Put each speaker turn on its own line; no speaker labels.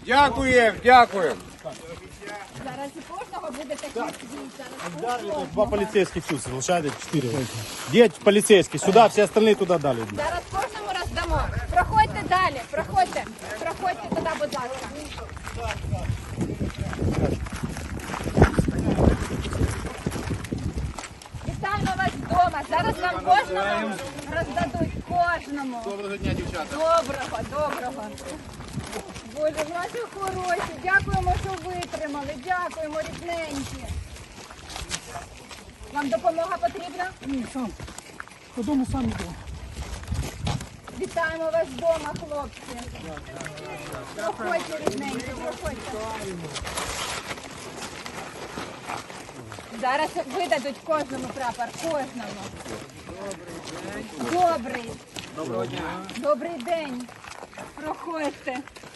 Дякуємо, дякуємо.
Зараз і кожного буде такий свій.
Два полицейских тут, лошади 4. Где полицейские? Сюда, все остальные туда дали.
Зараз кожному роздамо. Проходьте далі, проходьте. Проходьте туди, будь ласка. Вітаємо вас вдома. Зараз нам кожному роздадуть. Кожному.
Доброго дня, дівчата.
Доброго. Боже, наші хороші. Дякуємо, що витримали. Дякуємо, рідненькі. Вам допомога потрібна?
Ні, сам. Додому сам йду.
Вітаємо вас вдома, хлопці. Проходьте, рідненькі, проходьте. Зараз видадуть кожному прапор, кожному. Добрий. Доброго дня. Добрий день. Проходьте.